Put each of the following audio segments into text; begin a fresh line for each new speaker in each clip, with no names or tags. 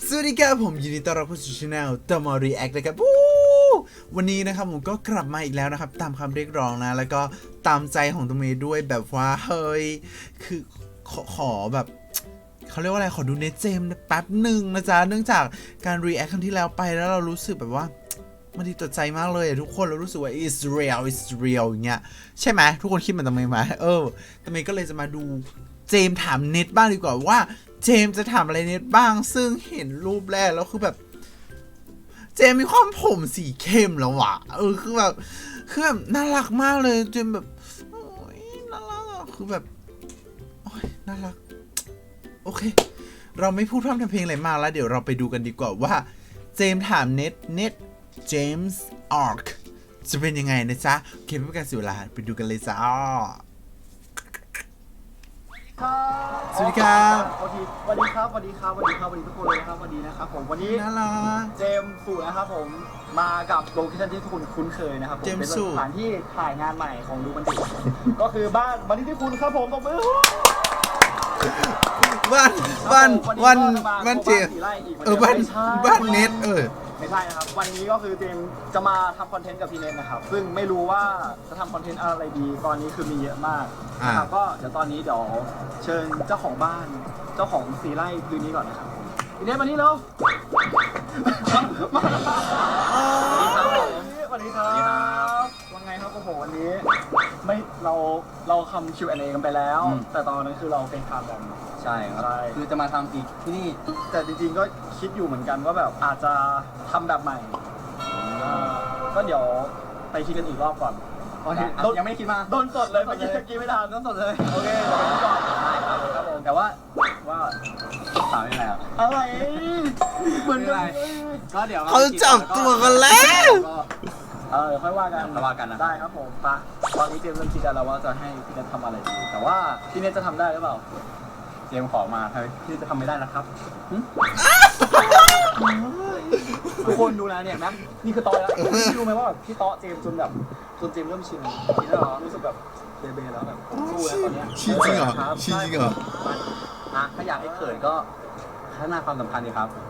สวัสดีครับผมยินดีต้อนรับเข้าสู่ช่องตมอรีแอคนะครับวันนี้นะครับผมก็กลับมาอีกแล้วนะครับตามคำเรียกร้องนะแล้วก็ตามใจของตัวเมย์ด้วยแบบว่าเฮ้ยคือขอแบบเขาเรียกว่าอะไรขอดูเนตเจมแป๊บหนึ่งนะจ๊ะเนื่องจากการรีแอคครั้งที่แล้วไปแล้วเรารู้สึกแบบว่ามันดีต่อใจมากเลยทุกคนเรารู้สึกว่า it's real อย่างเงี้ยใช่ไหมทุกคนคิดเหมือนตมเมย์ไหมตมเมย์ก็เลยจะมาดูเจมถามเน็ตบ้างดีกว่าว่าเจมจะถามอะไรเน็ตบ้างซึ่งเห็นรูปแรกแล้วคือแบบเจมมีความผมสีเข้มแล้วว่ะคือแบบน่ารักมากเลยเจมแบบโอ้ยน่ารักคือแบบโอ้ยน่ารักโอเคเราไม่พูดพร่ำทำเพลงอะไรมากแล้วเดี๋ยวเราไปดูกันดีกว่าว่าเจมถามเน็ตเจมส์อาร์คจะเป็นยังไงนะจ๊ะโอเคไม่เป็นการเสียเวลาไปดูกันเลยจ้าสวัสดีครับ
สวัสดีครับทุกคนเลยนะครับวันนี้นะครับผมวันนี้
น่ารัก
เจมส์สู่นะครับผมมากับโลเคชั่นที่ทุกคนคุ้นเคยนะครับผมเป็นสถานที่ถ่ายงานใหม่ของดูบันติก็คือบ้านบันที่คุณครับผมตบมือ
บ้านเจมบ้านเน็ต
ไม่ใช่นะครับวันนี้ก็คือเจมจะมาทำคอนเทนต์กับพี่เน็ตนะครับซึ่งไม่รู้ว่าจะทำคอนเทนต์อะไรดีตอนนี้คือมีเยอะมากนะครับก็เดี๋ยวตอนนี้เดี๋ยวเชิญเจ้าของบ้านเจ้าของสีไร่พื้นนี้ก่อนนะครับพี่เน็ตมานี่เร็วสวัสดีครับว่าไงครับโอ้โหวันนี้ไม่เราทำ Q&A กันไปแล้วแต่ตอนนั้นคือเราเป็นทำกัน
ใช่ครับคือจะมาทำอีกที่นี่
แต่จริงๆก็คิดอยู่เหมือนกันว่าแบบอาจจะทำแบบใหม่ก็เดี๋ยวไปคิดกันอีกรอบก่อน
ยังไม่คิดมา
โดนสดเลยเมื่อกี้ไม่ทันโดนสดเลยโอเคเดี๋ยวไปคิดก่อน
ได้ครับผมแต่ว่าถามยังไง
อะไรเหมือนกัน
ก็เดี๋ยว
เขาจับตัวกันแล้ว
เดี๋ยวค่อยว่ากัน
นะ
ได้ครับผมปะตอนนี้เจมส์เริ่มคิดแล้วว่าจะให้พี่เนททำอะไรดีแต่ว่าพี่เนทจะทำได้หรือเปล่า
เจมขอมาพี่จะทำไม่ได้นะครับ
ทุกคนดูนะเนี่ยแม็กนี่คือตอยแล้วพี่รู้ไหมว่าพี่ต๊อเจมจนเจมเริ่มชินแล้วรู้สึกแบบเบแล้วแบบสู้แล้วตอนนี้
ชินจริงเหรอ
ถ้าอยากให้เขินก็พัฒนาความสัมพันธ์ดีครับ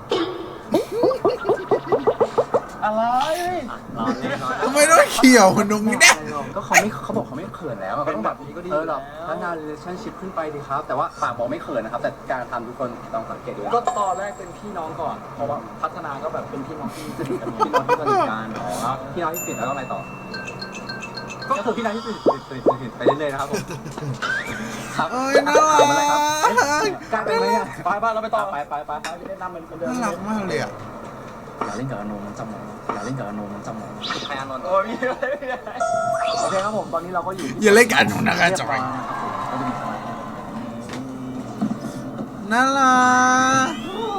อะไร
ทำไมต้องเขี่ยวตรงนี้เนี่ย
ก็เขาบอกเขาไม่เขินแล้วก็ต้องแบบนี้ก็ดีหรอกพัฒนา relationship ขึ้นไปดีครับแต่ว่าปากบอกไม่เขินนะครับแต่การทำทุกคนต้องสังเกตดู
ก็ตอนแรกเป็นพี่น้องก่อนเพราะว่าพัฒนาก็แบบเป็นพี่น้องที่สนิทกัน
พี่น้องที่สนิทกันพี่น้องที่สนิทแล้วก็อะไรต่อก็คือพี่น้องที่สนิทไปเรื่อยๆนะครับผม
ครับน่ารัก
การเป็นไหมเนี่ยไปบ้านเราไปต่อไปเล่นน้ำเหมือนเดิม
น่ารักมากเลย
อย่าเล่นกับอโนมันจำหมองอย่าเล่นกับอโนมันจำหมองใครอโน
โอ้ยโอเคครับผมตอนนี้เราก็อยู่
อย่าเล่นกับอโนนะครับจอยน่ารัก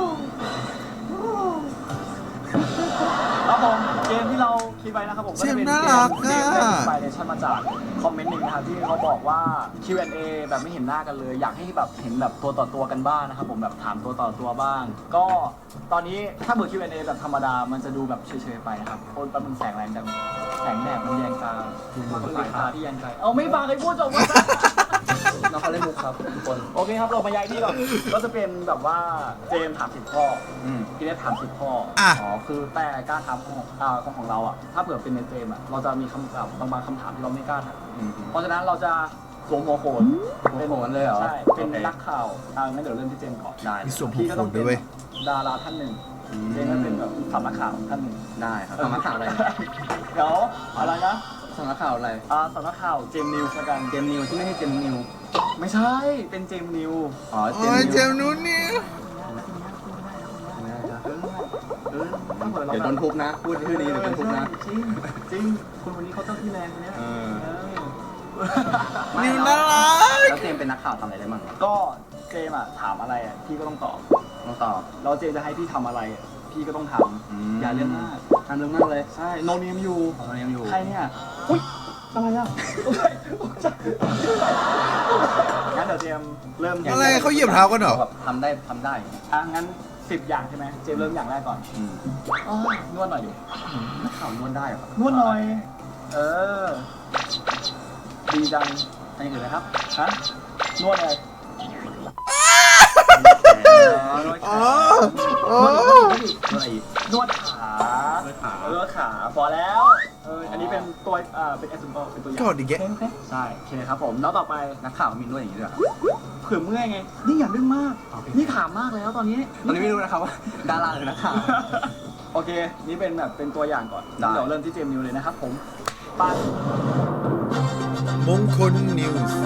ครับผมเกมที่เราคิดไว้นะครับผมก็จะเป็นเกมไปเนชั่นมาจากคอมเมนต์หนึ่งนะครับที่เขาบอกว่า Q&A แบบไม่เห็นหน้ากันเลยอยากให้แบบเห็นแบบตัวต่อตัวกันบ้างนะครับผมแบบถามตัวต่อตัวบ้างก็ตอนนี้ถ้าเบอร์ Q&A แบบธรรมดามันจะดูแบบเฉยๆไปนะครับคนแป๊บนึงแสงแรงจังแสงแดดมันแยงตาสายตาที่แยงใจเอาไม่ฟังใครพูดจบว่า
น้องเขาเล่นมุกครับทุกคน
โอเคครับเรามาย้ายที่ก่อนก็จะเป็นแบบว่าเจมถาม10 ข้อพี่เนทถาม10 ข้อคือแต่การถามของเราอ่ะถ้าเผื่อเป็นในเจมอ่ะเราจะมีคำถามบางคำถามที่เราไม่กล้าถามเพราะฉะนั้นเราจะสวมหัวโขน
เป็นโขนเลยเหรอ
ใช่เป็นนักข่าวงั้นเดี๋ยวเริ่มที่เจมก่อน
ได้
พี่ก็ต้องเป็น
ดาราท่านหนึ่งเจมก็เป็นแบบสำนักข่าวท่านหนึ่ง
ได้ครับสำนักข่าวอะไร
เดี๋ยวอะไรนะ
สำนักข่าวอะไร
สำนักข่าวเจมนิวส์ละกัน
เจมนิวที่ไม่ใช่เจมนิว
ไม่ใช่เป็นเจมนิว
เจมนู้นนี่
เดี๋ยวโดนทุบนะพูดชื่อนี้เดี๋ยวโดนทุบนะ
จริงคนวันนี้เขาเจ้าที่แรงคนนี้
นิวน่ารัก
แล้วเจมเป็นนักข่าวทำอะไรได้บ้าง
ก็เจมถามอะไรพี่ก็ต้องตอบแล้วเจมจะให้พี่ทำอะไรพี่ก็ต้องทำอย่าเรื่องมาก
ทำเรื่องมากเลย
ใช่โนเนมอยู่ใครเนี่ยอุ้ยอะไรอ่ะงั้นเดี๋ยวเจมเริ่ม
อะไรเขาเหยียบเท้ากันเหรอ
ทำได้
งั้น10 อย่างใช่ไหมเจมเริ่มอย่างแรกก่อนนวดหน่อยดิ
นักข่าวนวดได้เหรอน
วดหน่อยดีจัง
อันนี้คืออะไรครับ
นวดเลย
อ๋ออ๋อ
อะไรอีก
นวดขาน
วดขา
นวดขาพอแล้วอันนี้เป็นตัวเป็นexample เป็นตัวอย่าง
กอดอีกแก
ใช่โอเคครับผมแล้วต่อไป
นักข่าวมีนวดอย่างนี้ด้วยเหรอ
เผื่อเมื่อยไงนี่อย่าดึงมากนี่ขามากแล้วตอนนี้
ตอนนี้ไม่รู้นะครับว่าดาราหรือนักข่าว
โอเค นี่เป็นแบบเป็นตัวอย่างก่อน
ได้
เดี๋ยวเริ่มที่เจมส์นิวเลยนะครับผมไป
มงคลนิวส์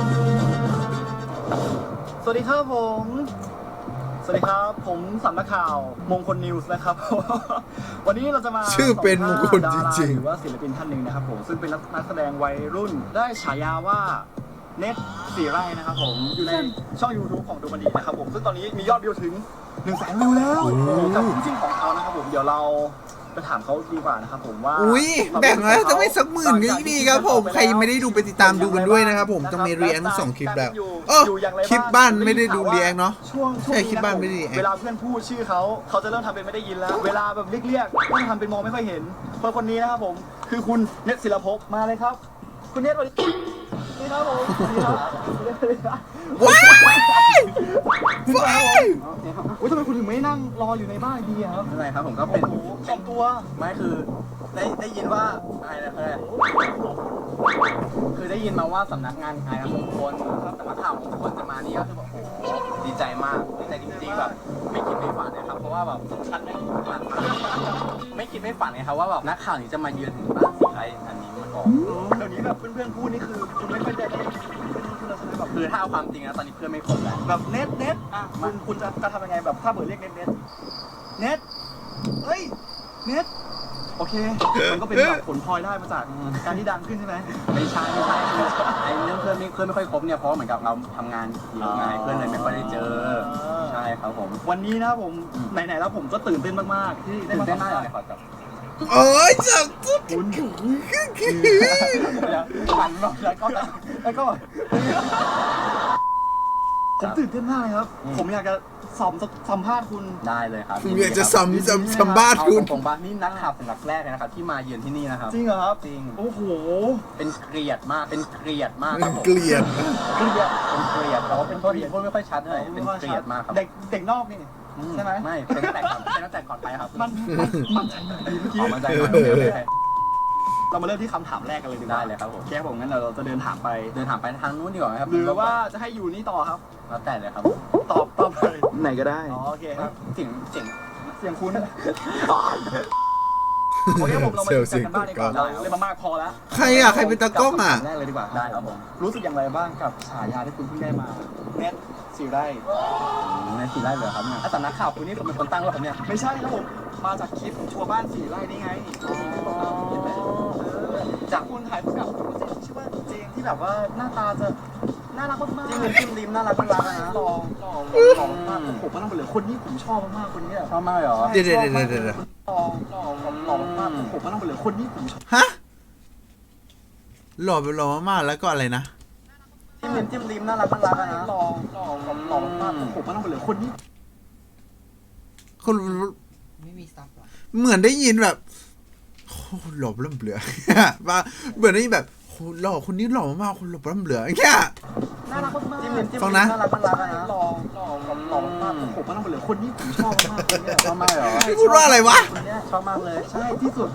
สวัสดีครับผม สวัสดีครับ ผมสำนักข่าวมงคลนิวส์นะครับ วันนี้เราจะมา
ชื่อเป็นมงคลจ
สัมภาษณ์ดาา
ริง
หรือว่าศิลปินท่านหนึ่งนะครับผมซึ่งเป็นนักแสดงวัยรุ่นได้ฉายาว่าเน็ตสีไร่นะครับผมอยู่ในช่อง YouTube ของดูมันดีนะครับผมซึ่งตอนนี้มียอดวิวถึง 100,000 วิวแล้วกับจริงๆของเขานะครับผมเดี๋ยวเราไปถามเขาดีกว่านะครับผมว่า
อุ้ยแบ่งแล้วจะไม่สักหมื่นก็ยิ่งดีครับผมใครยังไม่ได้ดูไปติดตามดูกันด้วยนะครับผมต้องมีรีแอคสองคลิปแล้วเออคลิปบ้านไม่ได้ดูรีแอคเนาะ
ช่วง
ใช่คลิปบ้านไม่ได้รีแอค
เวลาเพื่อนพูดชื่อเขาจะเริ่มทำเป็นไม่ได้ยินแล้ว เวลาแบบเรียกก็ทำเป็นมองไม่ค่อยเห็นเพราะคนนี้นะครับผมคือคุณเนตศิลภพมาเลยครับ คุณเนตสวัสดีนี่ครับผมสวัสดีครับ
ว้ายว้าย
อุ้ยทำไมคุณถึงไม่นั่งรออยู่ในบ้านดีอะครับ
อะไรครับผมก็
โอ้
เป็น
โหสองตัว
ไม่คือได้ยินว่าอะไรนะคือได้ยินมาว่าสำนักงานขายมงคลสำนักข่าวมงคลจะมานี่ก็คือแบบโอ้โหดีใจมากดีใจจริงๆแบบไม่คิดไม่ฝันนะครับเพราะว่าแบบฉันไม่คิดไม่ฝันไม่คิดไม่ฝันไงครับว่าแบบนักข่าวนี้จะมาเยือนถึงบ้านสีไทยอันนี้มาก่อน
เดี๋ยวนี้แบบเพื่อนๆพูดนี่คือคุณไม่ค่อยจะได้คุณลักษณะแบบ
คือถ้าเอาความจริงนะตอนนี้เพื่อนไม่คบแล้ว
แบบเน็ตอ่ะคุณจะทำยังไงแบบถ้าเปิดเรียกเน็ตเฮ้ยเน็ตโอเคมันก็เป็นแบบผลพลอยได้มาจากการที่ดังขึ้นใช่ไหม
ไม่ใช่คือไอ้เรื่องเพื่อนไม่ค่อยคบเนี่ยเพราะเหมือนกับเราทำงานเยอะไงเพื่อนเลยไม่ค่อยได้เจอใช่ครับผม
วันนี้นะผมไหนๆแล้วผมก็ตื่นเต้นมากๆที่ได้
ตื่น
มา
เต้น
สัม
มาก
ภาษ
เลย
ณ์
ขอจับ
โอ้ยจับตุ๊ด
ฝันบอกแล้วก็
ผมตื่นเต้นมากเลยครับ ผมอยากจะสัมภาษณ์คุณ
ได้เลยครับ
ผมอยากจะสัมภาษณ์
เอา
คุณ
ตรงๆบ้านนี่นักข่าวสำนักแรกเลยนะครับที่มาเยือนที่นี่นะครับ
จริงเหรอครับ
จริง
โอ้โห
เป็นเกลียดมากครับผม
เกลียด
เกลียด
เป็นเกลียดแต่ว่าเป็นโทษทีพูดไม่ค่อยชัดเลยเป็นเกลียดมากครับ
เด็กนอกนี่ใช่ไหม
ไม่เป็นตั้งแต่ก่อนไปครับ
มันใจดีเมื่อกี้
ออกมาใจหน่อยโอเค
เรามาเริ่มที่คำถามแรกกันเลยดีกว่า
ได้เลยครับผม
แค่ผมงั้นเราจะเดินถามไป
เดินถามไปทางนู้นดีกว่าไหมครับ
หรือว่าจะให้อยู่นี่ต่อครับ
แล้วแต่เลยครับ
ตอบเลย
ไหนก็ได้
อ๋อโอเคครับ
เสียง
เสียงคุณโอเคผมเรามาดูกันบ้างดีกว่าเราเล่นมามากพอแล้ว
ใครอ่ะใครเป็นตากล้องอ่ะ
แรกเลยดีกว่า
ได้ครับผม
รู้สึกอย่างไรบ้างกับฉายาที่คุณเพิ่งได้มาเน็ตสีไร่
ในสีไร่เลยครับเนี่ยสำนักข่าวคุณนี่เป็นคนตั้งหรือเปล่าเนี่ย
ไม่ใช่ครับผมมาจากคลิปทัวร์บ้านสีไร่นี่ไงจากคุณถ่ายคู่กับคุณเจนชื่อว่าเจนที่แบบว่าหน้าตาจะน่ารักมากๆ
จิ้มริมน่ารักนะ
หล่อมากผมก็ต้องไปเลยคนนี้ผมชอบมากๆคนนี้
ชอบมากเหรอ
เดี๋ยว
หล่อมากผมก็ต้องไปเลยคนนี้ผมชอบ
ฮะหล่อไปหล่อมากๆแล้วก็อะไรนะ
จิ้มริมน่ารักนะ
หล่อมากผมก็ต้องไปเลยคนนี้
คน
ไม่มีซับหรอ
เหมือนได้ยินแบบโอ้หล่อเริ่มเบื่อว่าเหมือนได้ยินแบบโหหล่อคนนี้หล่อมากคนหล่อเริ่มเบื่ออย่างเงี้ย
น่ารักมาก
จิ้มริม
ฟังนะ
น่ารักนะ
หล่อมากผมก็ต้องไปเลยคนนี้ผมชอบมากคนนี้
ชอบมากเหรอ
นี่พูดว่าอะไรวะ
คนนี้
ชอบมากเลย
ใช่ที่สุด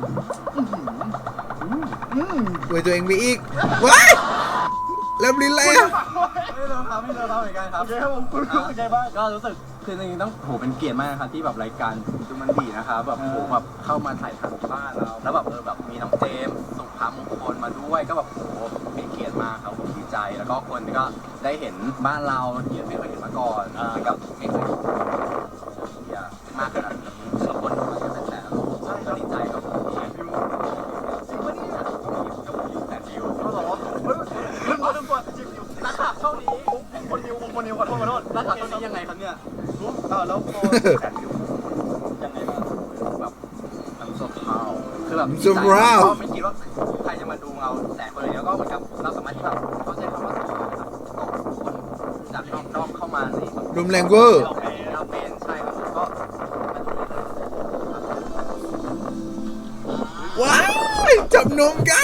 อวยตัวเองไปอีกว้ายแล้วลิ้นอะไรอ่ะ
ไม่เลิกครับไม่เลิกครับเหมือนกันครับ
โอเคครับผมคุณรู้สึกไงบ้าง
ก็รู้สึกคือจริงๆต้องโหเป็นเกียรติมากนะครับที่แบบรายการดูมันดีนะครับแบบโหแบบเข้ามาถ่ายทำบ้านเราแล้วแบบแบบมีน้องเจมส์สุภาพมงคลมาด้วยก็แบบโหเป็นเกียรติมากครับผมดีใจแล้วก็คนก็ได้เห็นบ้านเราที่ไม่เคยเห็นมาก่อนแล้วก็ไม่เคยเห็นมากขนาดนี้สมบูรณ์มากันแต่ก็ดีใจครับผมที่
จริงปะเนี่ย
อยู่แต่ดิว
เขาบอกว่าเรื่องตัวจริงๆนักข่าวช่องนี้คนนิวขอโทษ
แล้วข่าวนี้ยังไงครับเนี่ย
แล้วพอแสนนิวยังไงบ้าง
แบบน้ำซุปข้าวคือแบบ
ซุปข้าว
ไม่คิดว่าใครจะมาดูเราแต่คนเลยแล้วก็เหมือนกับเราสามารถที่แบบเขาใช้คำว่าคนจากนอกเข้ามาใน
รุมแรงเวอร์
เราเป็นใช่ครับก็
ว้ายจับนมกัน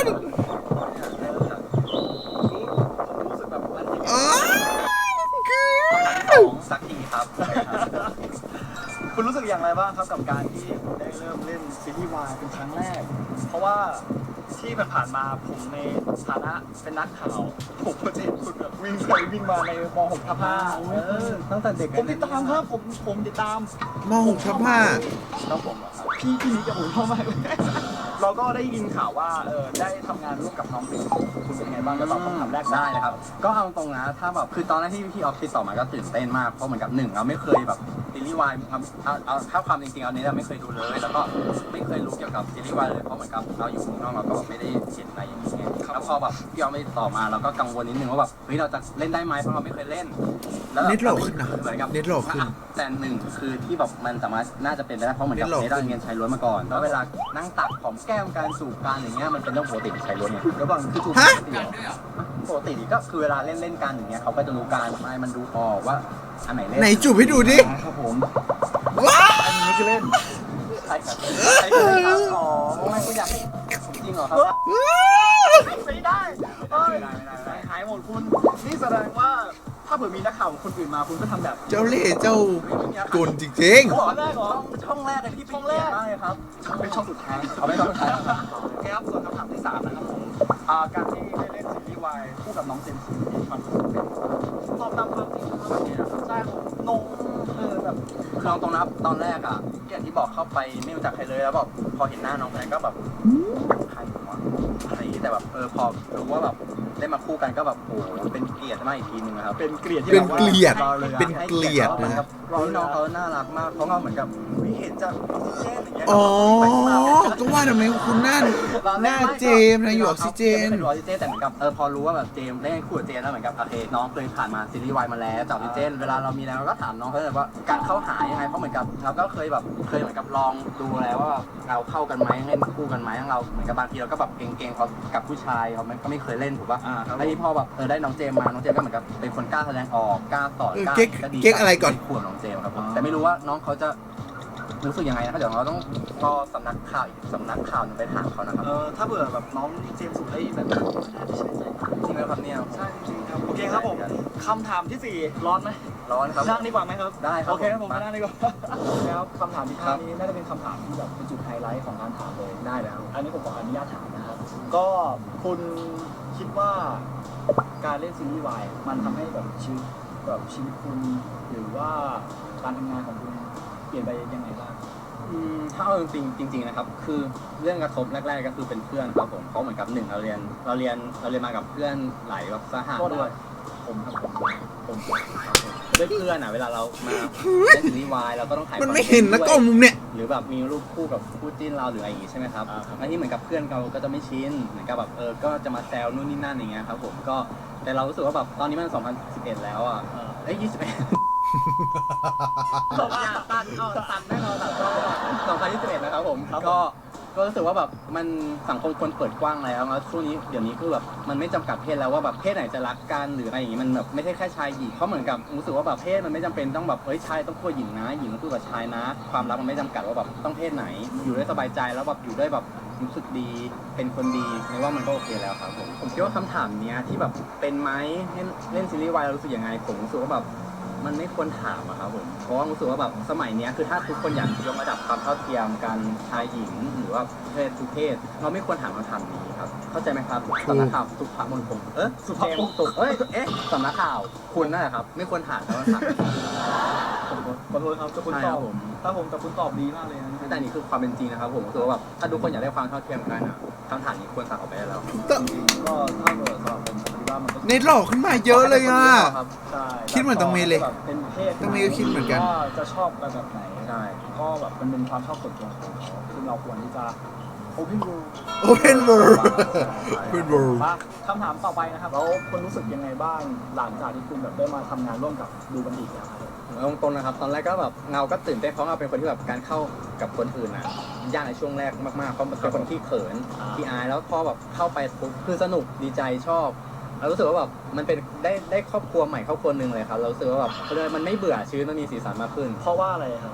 รู้สึกแบบมัน
อ๋อคือ
สักทีครับ
คุณรู้สึกอย่างไรบ้างครับกับการที่คุณได้เริ่มเล่นซีรีส์วายเป็นครั้งแรก เพราะว่าที่ผ่านมาผมในฐานะเป็นนักข่าวผมก็จะเห็นคุณแบบวิ่งไปวิ่งมาในม .6 ทับ5
ตั้งแต่เด็ก
ผมติดตามครับผมติดตาม
ม.6 ทับ
ครับผมอะครับพี่นิกกับผมเข้ามากเลย เราก็ได้ยินข่าวว่าได้ทำงานร่วมกับน้องปิ่นคุณเป็นไงบ้างจะตอบคำถามแรก
ได้นะครับ ก็เอาตรงนะถ้าแบบคือตอนแรกที่พี่ออฟติดต่อมาก็ตื่นเต้นมากเพราะเหมือนกับหนึ่งเราไม่เคยแบบซีรีส์วายเอาถ้าความจริงๆเอาเนี้ยเราไม่เคยดูเลย แล้วก็ไม่เคยรู้เกี่ยวกับซีรีส์วายเลยเพราะเหมือนกับเราอยู่ข้างนอกเราก็แบบไม่ได้เห็นอะไรอย่างเงี้ยแล้วพอแบบพี่ออฟไม่ติดต่อมาเราก็กังวลนิดนึงว่าแบบเฮ้ยเราจะเล่นได้ไหมเพราะเราไม่เคยเล่นแล้ว
เน็ตโหลดขึ้นนะ
เหมือนกับ
เน็ตโหลดขึ้น
แต่หนึ่งคือที่แบบมันสามารถน่าจะเป็นไปได้เพราะเหมือนกับ
เน็ตโหลด
เนได้เรียนชายล้วนมาก่อนแล้วเวลานั่งตักของแก้มการสูบการอย่างเงี้ยมันเป็นเรื่องปกติของชายล้วนไง
ระหว่างคือถูก
ฮะ
ปกติก็คือเวลาเล่นกันอย่างเงี้ยเขาก็จะรู้การไม่มันดูออกว่าอันไหนเล่น
ไหนจูบให้ดูดิ
ครับผม
ว้า
อันนี้คือเล่น
ใช่ครับใช่ครับอ๋อไม่ก็อยากให้จริงเหรอครับ
ไม่ได้เอ้ย
ไม่ได้
หายหมดคุณนี่แสดงว่าถ้าเผื่อมีนักข่าวคนอื่นมาคุณก็ทำแบบ
เจ้าเล่ห์เจ้ากลจริง
ช่องแรกเหรอ
ช่องแรกเลยที่เป็นเกียรติมากเลยครับ
เป็นช่องสุดท้าย
เอาไม่ต้องใช้
โอเคครับส่วนคำถามที่3นะครับผมการที่ได้เล่นซีรีส์วายคู่กับน้องเจมส์มีความรู้สึกเป็นตอบตามความจริงครับใช่ผมนงแบบ
คือเอาตรงนะครับตอนแรกอ่ะอย่างที่บอกเข้าไปไม่รู้จักใครเลยแล้วแบบพอเห็นหน้าน้องคนนั้นก็แบบใครวะอะไรอย่างงี้แต่แบบพอรู้ว่าแบบได้มาคู่กันก็แบบโอ้โหเป็นเกียรติมากอีกทีนึงนะครับ
เป็นเกลียดที่
เป็น
แบบว่า
เกลียด
ราเลยอะ
เป็นเกลียด
เหมือน
นะ
กับน้องเขาน่ารักมากเขาก็เหมือนกับเห็นจากออกซิเจนอย่างเงี้ย
อ๋อ ก็ว่าทำไมคุณหน้าเจมส์นะอยู่ออกซิเจน
ไม่รู้ออกซิเจนแต่เหมือนกับพอรู้ว่าแบบเจมส์เล่นคู่กับเจมส์แล้วเหมือนกับโอเคน้องเคยผ่านมาซีรีส์วายมาแล้วจากออกซิเจนเวลาเรามีแล้วเราก็ถามน้องเขาเลยว่าการเข้าหายังไงเพราะเหมือนกับเราก็เคยเหมือนกับลองดูแล้วว่าเราเข้ากันไหมเล่นคู่กันไหมเราเหมือนกับบางทีเราก็แบบเก่งๆเขากับผู้ชายเขาก็ไม่เคยเล่นถูกป่ะแล้วที่พอแบบได้น้องเจมส์มาน้องเจมส์ก็เหมือนกับเป็นคนกล้าแสดงออกกล้าสอนกล้า
เก๊กอะไรก่อน
ขวบน้องเจมส์ครับผมแต่ไม่รู้ว่าน้องเขาจะรู้สึกยังไงนะครับเดี๋ยวเราต้องรอสำนักข่าวอีกสำนักข่าวหนึงไปถามเขานะครับ
ถ้าเบื่อแบบน้องเจมส์สุดได้แบบน่าจะใช้ใจ
จริงไหมครับเนี่ย
ใช่จริงครับโอเคครับผมคำถามที่ 4 ร้อนไหม
ร้อนครับ
นั่งดีกว่าไหมครับ
ได้ครับ
โอเคครับผมนั่งดีกว่าแล้วคำถามที่
ครับ
5นี้น่าจะเป็นคำถามที่แบบเป็นจุดไฮไลท์ของการถามเลยได้แล้ว อันนี้ผมขออนุญาตถามนะครับก็คุณคิดว่าการเล่นซีรีส์วายมันทำให้แบบชีวิตคุณหรือว่าการทำงานของคุณเปลี่ยนไปยังไงบ้าง
ถ้าเอาจริงๆนะครับคือเรื่องกระทบแรกๆก็คือเป็นเพื่อนครับผมเพราะเหมือนกับหนึ่งเราเรียนมากับเพื่อนหลายแบบสหะด้วยผมครับผมด้วยเพื่อนเวลาเรามาเล่นซีรีส์วายเราก็ต้องถ่าย
มันไม่เห็นนะกล้องมุมเนี่ย
หรือแบบมีรูปคู่กับคู่จิ้นเราหรืออะไรอย่างงี้ใช่ไหมครับอันนี้เหมือนกับเพื่อนเราก็จะไม่ชินเหมือนกับแบบก็จะมาแซวนู่นนี่นั่นอย่างเงี้ยครับผมก็แต่เรารู้สึกว่าแบบตอนนี้มัน2011แล้ว21ตัดแน่นอน2021นะครับผมก็รู้สึกว่าแบบมันสังคมคนเปิดกว้างแล้วช่วงนี้เดี๋ยวนี้คือแบบมันไม่จำกัดเพศแล้วว่าแบบเพศไหนจะรักกันหรืออะไรอย่างงี้มันแบบไม่ใช่แค่ชายหญิงเขาเหมือนกับรู้สึกว่าแบบเพศมันไม่จำเป็นต้องแบบชายต้องคู่หญิงนะหญิงต้องคู่กับชายนะความรักมันไม่จำกัดว่าแบบต้องเพศไหนอยู่ด้วยสบายใจแล้วแบบอยู่ด้วยแบบรู้สึกดีเป็นคนดีไม่ว่ามันก็โอเคแล้วครับผมคิดว่าคำถามเนี้ยที่แบบเป็นไหมเล่นซีรีส์วายเรารู้สึกยังไงผมรู้สึกว่าแบบมันไม่ควรถามอะครับผมเพราะว่ารู้สึกว่าแบบสมัยนี้คือถ้าทุกคนอยากยกระดับความเท่าเทียมกันชายหญิงหรือว่าเพศทุกเพศเราไม่ควรถามคำถามนี้ครับเข้าใจไหมครับสำนักข่าวสุภาพมนคงสุภาพมงคงสำนักข่าวคุณนั่นแหละครับไม่ควรถามคำถาม
ผมขอโทษครับแต่คุณตอบแต่คุณตอบดีมากเลยนะ
แต่นี่คือความเป็นจริงนะครับผมรู้สึกว่าแบบถ้าทุกคนอยากได้ความเท่าเทียมกันคำถามนี้ควรตัดออกไปได้แล้ว
ก็ถ้าเกิดสำหรับผมคิดว่ามันก็
เน็ตหลอกขึ้นมาเยอะเลยอ่ะ
ใช่
คิดเหมือนตรงเมย์เลย
เป็นเพศ
ตรงเมย์ก็คิดเหมือนกัน
ว่าจะชอบแบบไหน
ใช่
ก็แบบมันเป็นความชอบส่วนตัวของเขาซึ่งเราควรที่จะโอเพนเวิลด์
Open World Open World
คำถามต่อไปนะครับแล้วคุณรู้สึกยังไงบ้างหลังจากที่คุณแบบได้มาทำงานร่วมกับดูบันดีแล้วครับ
ตรงๆนะครับตอนแรกก็แบบเงาก็ตื่นเต้นเพราะเราเป็นคนที่แบบการเข้ากับคนอื่นยากในช่วงแรกมากๆเพราะเป็นคนที่เขินที่อายแล้วพอแบบเข้าไปปุ๊บคือสนุกดีใจชอบเรารู้สึกว่าแบบมันเป็นได้ครอบครัวใหม่ครอบครัวหนึ่งเลยครับเรารู้สึกว่าแบบมันไม่เบื่อชีวิตมันมีสีสันมากขึ้น
เพราะว่าอะไรครับ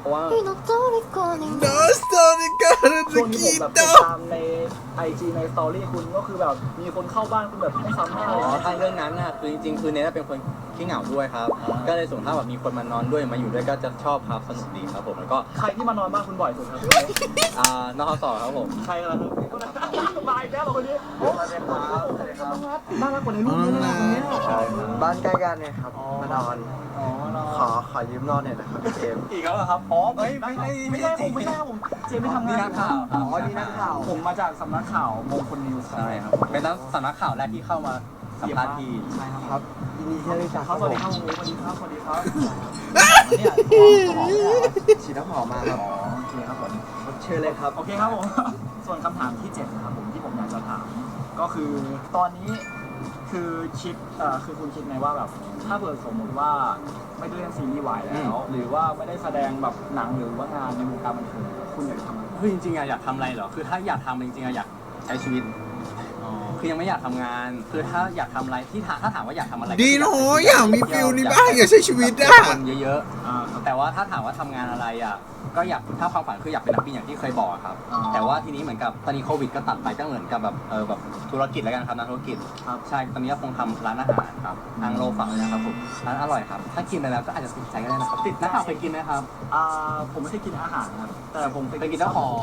เพราะว่า
โดสโตนิกา
ช่วงที่ผมแบบ
โด
ติดตามใน IG ในสตอรี่คุณก็คือแบบมีคนเข้าบ้านคุณแบบไม่ซ้ำหน้า
อ๋
เลย
อถ้าเรื่องนั้นน่ะคือจริงๆคือเนทเป็นคนขี้เหงาด้วยครับ ก็เลยส่วนถ้าแบบมีคนมานอนด้วยมาอยู่ด้วยก็จะชอบครับสนุกดีครับผมแล้วก็
ใครที่มานอนบ้านคุณบ่อยสุดครับ
นอกสอครับผม
ใครล่ะครับมาอีกแล้วเหรอคนนี้โอ้สวัสดีครับน่ารักกว่าในรูปนี้นะคนนี้
บ้านใกล้กันเนี่ยครับมานอน
อ๋อ
ขอยืมนอนหน่อยนะครับพี่เจมส์
อีกแล้วเหรอครับอ๋อไม่ใช่
ผมไม่ใช่ผมเจไม่ทำงาน
นี่นักข่าวครับ
อ๋อนี่นักข่าว
ผมมาจากสำนักข่าวมงคลนิวส์
ใช่ครับเป็นนักสำนักข่าวแรกที่เข้ามาสัมภาษณ์พี่
ใช่ค
ครับ รับยินดีที่ได้รู้จัก
ครับสวัสดีครับสวัสดีครับสวัสดีครับเนี่ย
ฉีดน้ำหอมมาครับ
โอเคครับผม
เชิญเลยครับ
โอเคครับผม ส่วนคำถามที่7นะครับผมที่ผมอยากจะถาม ก็คือตอนนี้คือคิดคือคุณคิดไหมว่าแบบถ้าเกิดสมมติว่าไม่ได้เล่นซีรีส์วายแล้ว หรือว่าไม่ได้แสดงแบบหนังหรือว่างานในวงการบันเทิงคุณอยากทำอะไร
คือจริงๆอยากทำอะไรเหรอคือถ้าอยากทำจริงๆอยากใช้ชีวิตคือยังไม่อยากทำงาน คือถ้าอยากทำอะไรที่ถ้าถามว่าอยากทำอะไร
ดีเนาะอยากมีฟิลนี้บ้างอยากใช้ชีวิตอ่ะ
คนเยอะๆแต่ว่าถ้าถามว่าทำงานอะไรอ่ะก็อยากถ้าความฝันคืออยากเป็นนักบินอย่างที่เคยบอกอะครับแต่ว่าทีนี้เหมือนกับตอนนี้โควิดก็ตัดไปก็เหมือนกับแบบแบบธุรกิจแล้วกันครับนักธุรกิจใช่ตอนนี้ก็คงทำร้านอาหารครับอังโลฝั่งเลยนะครับผมร้านอร่อยครับถ้ากินไปแล้วก็อาจจะติดใจก็ได้นะครับนักข่าวเคยกินไหมครับ
ผมไม่ใช่กินอาหารนะแต่ผม
เคยกินเจ้าของ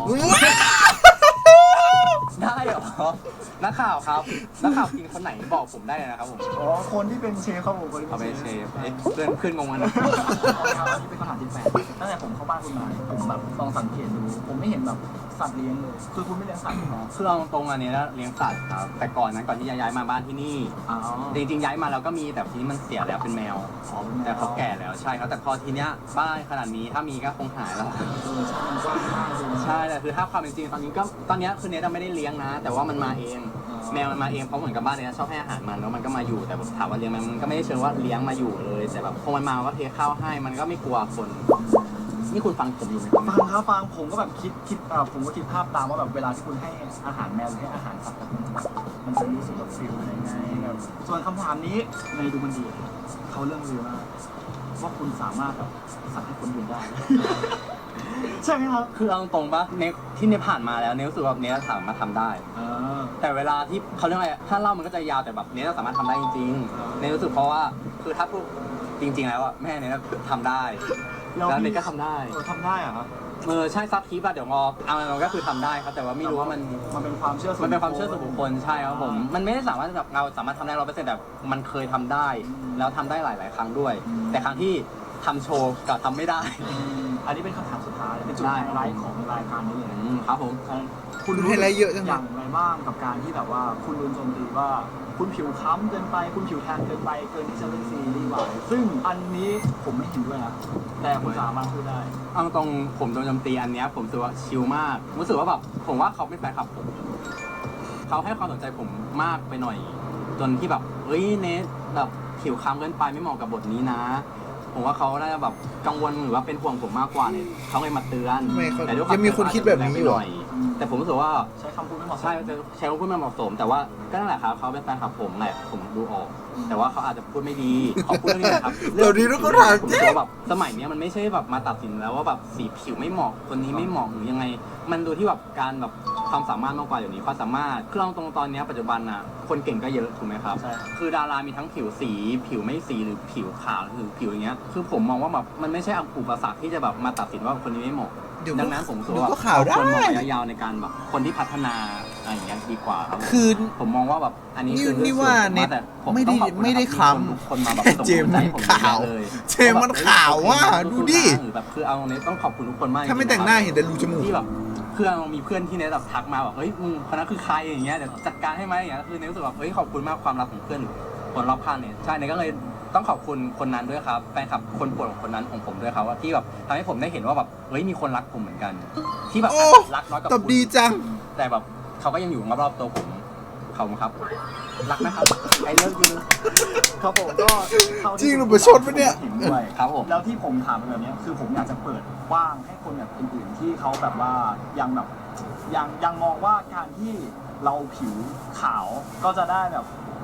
ได้เหรอนักข่าวครับนักข่าวกินคนไหนบอกผมได้เลยนะครับผม
อ๋อคนที่เป็นเชฟครับผมคนที่
เอาไป
เป็น
เช
เช
ฟ
ฟ
เพื่อนขึ้นงงมันนะ
อันนี้เป็นคำถามที่แปดตั้งแต่ผมเข้าบ้านคุณมาผมแบบลองสังเกตดูผมไม่เห็นแบบสัตว์เลี้ยงเลยคือคุณไม่เลี้ยงสัตว์หรอ
คือเอาตรงอันนี้นะเลี้ยงสัตว์ครับแต่ก่อนนั้นก่อนที่จะย้ายมาบ้านที่นี่
อ๋อ
จริงๆย้ายมาแล้วก็มีแต่ทีนี้มันเสียแล้วเป็นแมว แต่เขาแก่แล้วใช่ครับแต่พอทีเนี้ยบ้านขนาดนี้ถ้ามีก็คงหายแล้ว
ใช่มันกว้างมากเลย
ใช่แต่คือถ้าความเป็นจริงตอนนี้คือเนทไม่ได้เลี้ยงนะ แต่ว่ามันมาเอง แมวมันมาเองเพราะเหมือนกับบ้านเนี้ยชอบให้อาหารมันแล้วมันก็มาอยู่แต่แบบถามว่าเลี้ยงมันก็ไม่ได้เชิงว่าเลี้ยงมาอยู่เลยแต่แบบพอมันมาก็เทข้าวให้มันก็ไม่กลัวคนนี่คุณฟังผมอยู่ไหมครับ
ฟังครับฟังผมก็แบบคิดผมก็คิดภาพตามว่าแบบเวลาที่คุณให้อาหารแมวหรือให้อาหารสัตว์แบบมันจะรู้สึกแบบฟิลอะไรไงแบบส่วนคำถามนี้ในดูมันดีเขาเรื่องลือมากว่าคุณสามารถแบบสั่งให้คนอื่นได้ ใช่ไหมครับ
คือเอาตรงๆปะเนทที่เนทผ่านมาแล้วเนทรู้สึกว่าเนทสามารถทำได้ แต่เวลาที่เขาเรียกอะไรถ้าเล่ามันก็จะยาวแต่แบบเนทสามารถทำได้จริงๆเนทรู้สึกเพราะว่าคือถ้าพูดจริงๆแล้วอะแม่เนททำได้แล้วเนทก็ทำได้
ทำได้เหรอครับ
ใช่ซับคลิปอะเดี๋ยวงอเอามันก็คือทำได้ครับแต่ว่าไม่รู้ว่ามัน
เป็นความเชื่อส่วน
มันเป็นความเชื่อส่วนบุคคลใช่ครับผมมันไม่ได้สามารถแบบเราสามารถทำได้100%แต่มันเคยทำได้ แล้วทำได้หลายๆครั้งด้วย แต่ครั้งที่ทำโชว์กับทำไม่ได้
อันนี้เป็นคำถามสุดท้ายเป็นจุดไฮไลท์ของรายการนี้เลย
ครับผม
คุณรู้อย่างไรบ้างกับการที่แบบว่าคุณโดนโจมตีว่าคุณผิวค้ำเกินไปคุณผิวแทนเกินไปเกินที่จะเล่นซีรีส์วายซึ่งอันนี้ผมไม่เห็นด้วยนะแต่คุณสามารถพูดได้
เอาตรงผมโดนโจมตีอันเนี้ยผมรู้สึกว่าชิลมากรู้สึกว่าแบบผมว่าเขาเป็นแฟนคลับผมเขาให้ความสนใจผมมากไปหน่อย จนที่แบบเฮ้ยเนทแบบผิวค้ำเกินไปไม่เหมาะกับบทนี้นะ ผมว่าเขาน่าจะแบบกังวลหรือว่าเป็นห่วงผมมากกว่าเนี่ยเขาเลยมาเตือน แต่ด้วยความ
ยังมีคนคิดแบบนี้อยู่
หน่อย แต่ผมรู้สึกว่า
ใช้คำพูดไม่เหมาะสม
ใช่จะใช้คำพูดไม่เหมาะสม แต่ว่าก็นั่นแหละครับเขาเป็นแฟนคลับผมแหละผมดูออก แต่ว่าเขาอาจจะพูดไม่ดีขอพูดเรื่องนี้นะครับ
เดี๋ยวนี้เราก็ถาม
ผมรู้สึกว่าแบบสมัยเนี้ยมันไม่ใช่แบบมาตัดสินแล้วว่าแบบสีผิวไม่เหมาะคนนี้ไม่เหมาะหรือยังไง มันดูที่แบบการแบบความสามารถมากกว่าอย่างนี้ความสามารถคือเราตรงตอนเนี้ยปัจจุบันน่ะคนเก่งก็เยอะถูกไหมครับ
ใช่
คือดารามีทั้งผิวสีผิวไม่สีหรือผิวขาวหรือผิวอย่างเงี้ยคือผมมองว่าแบบมันไม่ใช่อุปสรรคที่จะแบบมาตัดสินว่าคนนี้ไม่เหมาะ
เดี๋ยว
ดังนั้นผมรู้สึก
เดี๋ยว
ว่า
ก็ข่าวได้
ควรมองระยะยาวในการแบบคนที่พัฒนาอะไรอย่างเงี้ยดีกว่าครับ
คือ
ผมมองว่าแบบอันนี้คือ
นี่ว่าเน็ต
แต่ผ
ไม่ได้
ต้องขอบณ
ไม่ได้
นะ
คล้ำ
ทุกคนมาแบบส่ง
เจมส์มัน
กำลังใจ
ขาว
ให้ผมเลย
เจมส์มันขาวว่ะดูดิ
หรือแบบคือเอาเน็ตต้องขอบคุณทุกคนมาก
ถ้าไม่แต่งหน้าเห็นแต่รูจมูก
ที่แบบเพื่อนมีเพื่อนที่เน็ตแบบทักมาแบบเฮ้ยมึงคนนั้นคือใครอย่างเงี้ยเดี๋ยวจัดการให้ไหมอย่างเงี้ยคือเน็ตรู้สึกแบบเฮ้ยขอบคุณมากความรักของเพื่อนคนรอบข้างเนี่ยใช่เน็ตก็เลยต้องขอบคุณคนนั้นด้วยครับแฟนคลับคนโปรดของคนนั้นของผมด้วยครับว่าที่แบบทำให้ผมได้เห็นว่าแบบเฮ้ยมีคนรักผมเหมือนกัน ที่แบบ
โอ้
รักน้อยกว่า
ตอบ
คุณ
ดีจัง
แต่แบบเขาก็ยังอยู่รอบๆตัวผมเขาครับ รักนะครับไอ้เลิฟยู
ครับผมก็เท่าที่
จริงหรือประชดปะเนี่ย
เห็นด้วย
ครับผม
แล้วที่ผมถามแบบเนี้ยคือผมอยากจะเปิดกว้างให้คนแบบอื่นๆที่เขาแบบว่ายังแบบยังมองว่าการที่เราผิวขาวก็จะได้แบบ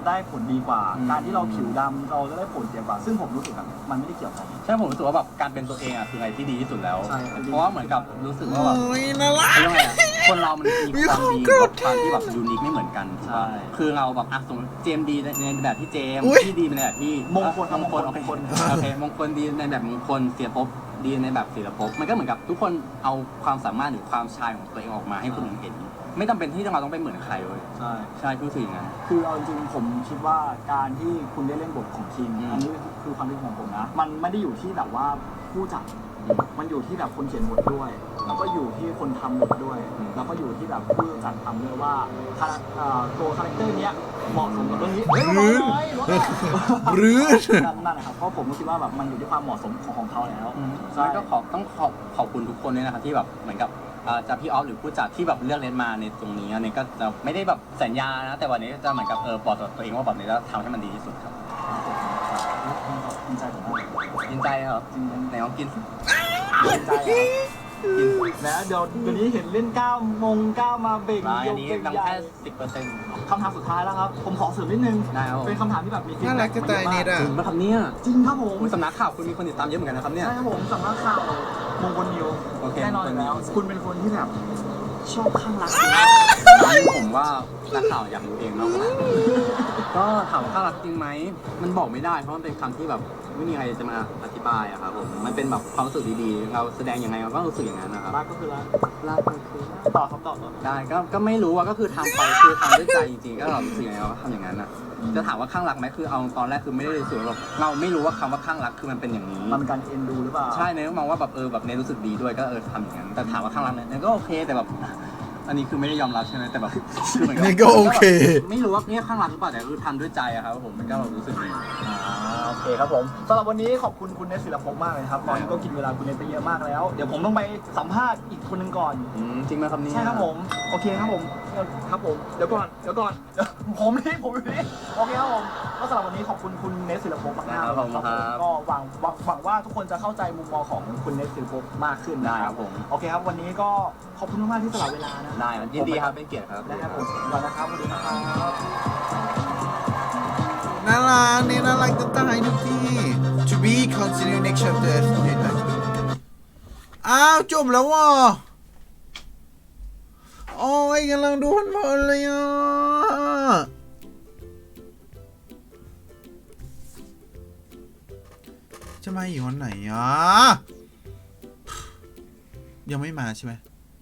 ได้ผลดีกว่า การที่เราผิวดำเราจะได้ผลเสียกว่า ซึ่งผมรู้สึกแบบมันไม่ได้เกี่ยวกัน
ใช่ผมรู้สึกว่าแบบการเป็นตัวเองอ่ะคืออะไรที่ดีที่สุดแล้ว
ใช่
เพราะว่าเหมือนกับรู้สึกว่าแบบ
โอ้ยน่ารัก
เขาเรียกว่าไงอะคนเรามันมีความดีกับความที่แบบยูนิคไม่เหมือนกัน
ใช่
คือเราแบบสมมติเจมส์ดีในแบบที่เจมส์
อุ๊ย
ที่ดีในแบบที่
มงคล
มงคลโอเคโอเคมงคลดีในแบบมงคลเสียภพดีในแบบเสียภพมันก็เหมือนกับทุกคนเอาความสามารถหรือความชายของตัวเองออกมาให้คนอื่นเห็น ไม่จำเป็นที่เราต้องไปเหมือนใครเลย
ใช่
ใช่รู้สึกอย่างนั้น
คือเอาจริงๆผมคิดว่าการที่คุณได้เล่นบทของคิง อันนี้คือความคิดของผมนะ มันไม่ได้อยู่ที่แบบว่าผู้จัด มันอยู่ที่แบบคนเขียนบทด้วย แล้วก็อยู่ที่คนทำบทด้วย แล้วก็อยู่ที่แบบผู้จัดทำด้วยว่าตัวคาแรคเตอร์เนี้ยเหมาะสมกับเรื่องนี้เฮ้ยเบาๆหน่อยรถอะ
หรือ
นั่นแหละครับเพราะผมก็คิดว่าแบบมันอยู่ที่ความเหมาะสมของเขาแล้วใช่
แล้วก็ต้องขอบคุณทุกคนด้วยนะครับที่แบบเหมือนกับจะพี่ออฟหรือผู้จัดที่แบบเลือกเล่นมาในตรงนี้อันนี้ก็จะไม่ได้แบบสัญญานะแต่วันนี้จะเหมือนกับบอกตัวเองว่าแบบนี้จะทำให้มันดีที่สุดครับ
ดีใจผมมาก
ยินใจครับไหนลองกินสิ
ดีใจแล้วเดี๋ยวนี้เห็นเล่นก้าวมาเบ่ง
อันนี้
เบ่ง
ดัง
ใหญ่
แค่10%
คำถามสุดท้ายแล้วครับ ผมขอเสริมนิดนึง
ได้ครับผม
เป็นคำถามที่แบบมี
น่ารักจะตายนิดอ่ะ
จริงป่ะครับเนี่ย
จริงครับผม
สำนักข่าวคุณมีคนติดตามเยอะเหมือนกันนะครับเนี่ย
ใช่ครับผมสำนักข่าวมงคลนิว
โอเค
แน่นอนอยู่แล้ว คุณเป็นคนที่แบบชอบข้างรัก
ผมว่านักข่าวอยากรู้เองมากกว่าก็ถามว่าข้ารักจริงไหมมันบอกไม่ได้เพราะมันเป็นคำที่แบบไม่มีใครจะมาอธิบายอะครับผมมันเป็นแบบความรู้สึกดีๆเราแสดงยังไงเราก็รู้สึกอย่างนั้นนะครับ
รักก็คือรัก
รักมันคือรัก
ต่อครับต่อ
ได้ก็ไม่รู้ว่าก็คือทำไปคือทำด้วยใจจริงๆก็เรารู้สึกยังไงเราก็ทำอย่างนั้นอะจะถามว่าข้างรักไหมคือเอาตอนแรกคือไม่ได้รู้สึกว่าแบบเราไม่รู้ว่าคำว่าข้างรักคือมันเป็นอย่างนี้
มันเป็นการเอ็นดูหรือเปล่า
ใช่เนยมองว่าแบบแบบเนยรู้สึกดีด้วยก็ทำอย่างนั้นแต่ถามว่าข้างรักเนี่ยก็โอเคแต่แบบอันนี้คือไม่ได้ยอมรับใช่ไหมแต่แบบคือเหมือน
นี่ก็โอเค
ไม่รู้ว่าเนี่ยข้างรักหรือเปล่าแต่คือทำด้วยใจอะครับผมมันก็แบบรู้สึกดี
โอเคครับผมสำหรับวันนี้ขอบคุณคุณเนสศิลปภพมากเลยครับตอนนี้ก็กินเวลาคุณเนสไปเยอะมากแล้วเดี๋ยวผมต้องไปสัมภาษณ์อีกคนหนึ่งก่อน
จริงไหมครับเนี่ย
ใช่ครับผมโอเคครับผมครับผมเดี๋ยวก่อนผมอยู่นี่โอเคครับผมก็สำหรับวันนี้ขอบคุณคุณเนสศิลปภพมากๆ
ครับผม
ก็หวังว่าทุกคนจะเข้าใจมุมมองของคุณเนสศิลปภพมากขึ้น
ได้ครับผม
โอเคครับวันนี้ก็ขอบคุณมากๆที่สละเวลานะ
ได้ยินดีครับเป็นเกียรติครับ
นะครับผมก่อนนะครับสวัสดีนะครับ
น่ารักนี่น่ารักจะตายทุกที่ to be continue next chapter อ้าวจบแล้วว่ะโอ้ยกำลังดูเพลินๆเลยอ่ะจะมาอีกวันไหนอ่ะยังไม่มาใช่ไหม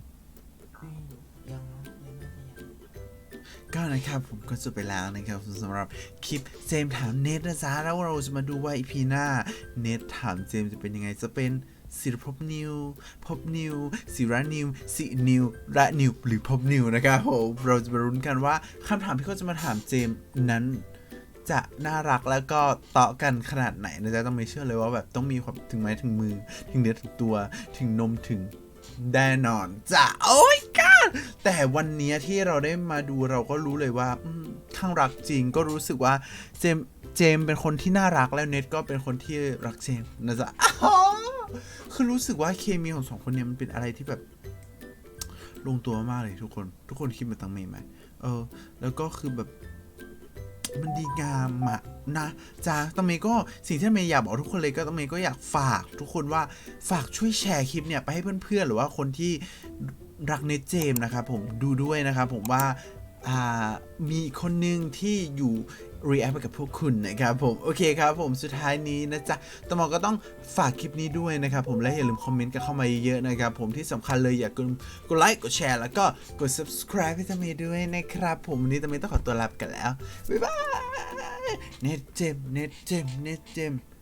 ก็นะครับผมก็จบไปแล้วนะครับสำหรับคลิปเจมส์ถามเนทนะจ๊ะแล้วเราจะมาดูว่าอีพีหน้าเนทถามเจมส์จะเป็นยังไงจะเป็นศิรภพนิวภพนิวศิระนิวสินิวระนิวหรือภพนิวนะครับผมเราจะมาลุ้นกันว่าคำถามที่เขาจะมาถามเจมส์นั้นจะน่ารักแล้วก็เตาะกันขนาดไหนนะจ๊ะต้องไม่เชื่อเลยว่าแบบต้องมีความถึงไม้ถึงมือถึงเนื้อถึงตัวถึงนมถึงแน่นอนจ้ะโอ้ยก้าแต่วันนี้ที่เราได้มาดูเราก็รู้เลยว่าข้างรักจริงก็รู้สึกว่าเจมส์เป็นคนที่น่ารักแล้วเน็ตก็เป็นคนที่รักเจมส์นะจ๊ะคือรู้สึกว่าเคมีของสองคนเนี้ยมันเป็นอะไรที่แบบลงตัวมากเลยทุกคนคิดเหมือนตังเมย์ไหมแล้วก็คือแบบมันดีงามอะนะจ๊ะตังเมย์ก็สิ่งที่ตังเมย์อยากบอกทุกคนเลยก็ตังเมย์ก็อยากฝากทุกคนว่าฝากช่วยแชร์คลิปเนี่ยไปให้เพื่อนๆหรือว่าคนที่รักเนทเจมส์นะครับผมดูด้วยนะครับผมว่ามีคนหนึ่งที่อยู่ react ไปกับพวกคุณนะครับผมโอเคครับผมสุดท้ายนี้นะจ๊ะตมก็ต้องฝากคลิปนี้ด้วยนะครับผมและอย่าลืมคอมเมนต์กันเข้ามาเยอะๆนะครับผมที่สำคัญเลยอย่ากดไลค์กดแชร์แล้วก็กด subscribe ให้ตมด้วยนะครับผมวันนี้ตมต้องขอตัวลาไปกันแล้วบ๊ายบายเนทเจมส์